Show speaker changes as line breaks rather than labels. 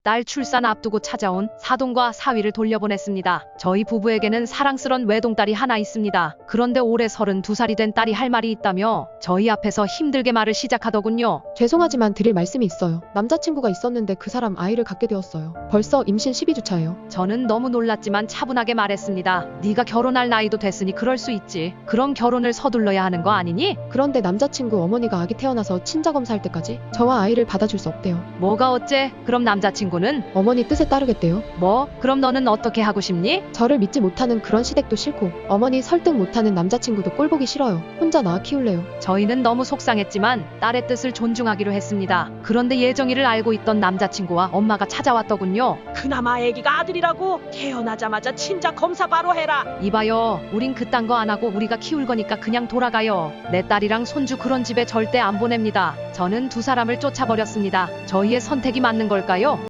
딸 출산 앞두고 찾아온 사돈과 사위를 돌려보냈습니다. 저희 부부에게는 사랑스런 외동딸이 하나 있습니다. 그런데 올해 32살이 된 딸이 할 말이 있다며 저희 앞에서 힘들게 말을 시작하더군요.
죄송하지만 드릴 말씀이 있어요. 남자친구가 있었는데 그 사람 아이를 갖게 되었어요. 벌써 임신 12주차예요.
저는 너무 놀랐지만 차분하게 말했습니다. 네가 결혼할 나이도 됐으니 그럴 수 있지. 그럼 결혼을 서둘러야 하는 거 아니니?
그런데 남자친구 어머니가 아기 태어나서 친자검사할 때까지 저와 아이를 받아줄 수 없대요.
뭐가 어째? 그럼 남자친구는?
어머니 뜻에 따르겠대요.
뭐? 그럼 너는 어떻게 하고 싶니?
저를 믿지 못하는 그런 시댁도 싫고 어머니 설득 못하는 남자친구도 꼴보기 싫어요. 혼자 낳아 키울래요.
저희는 너무 속상했지만 딸의 뜻을 존중하기로 했습니다. 그런데 예정일을 알고 있던 남자친구와 엄마가 찾아왔더군요.
그나마 아기가 아들이라고 태어나자마자 친자 검사 바로 해라.
이봐요. 우린 그딴 거 안 하고 우리가 키울 거니까 그냥 돌아가요. 내 딸이랑 손주 그런 집에 절대 안 보냅니다. 저는 두 사람을 쫓아버렸습니다. 저희의 선택이 맞는 걸까요?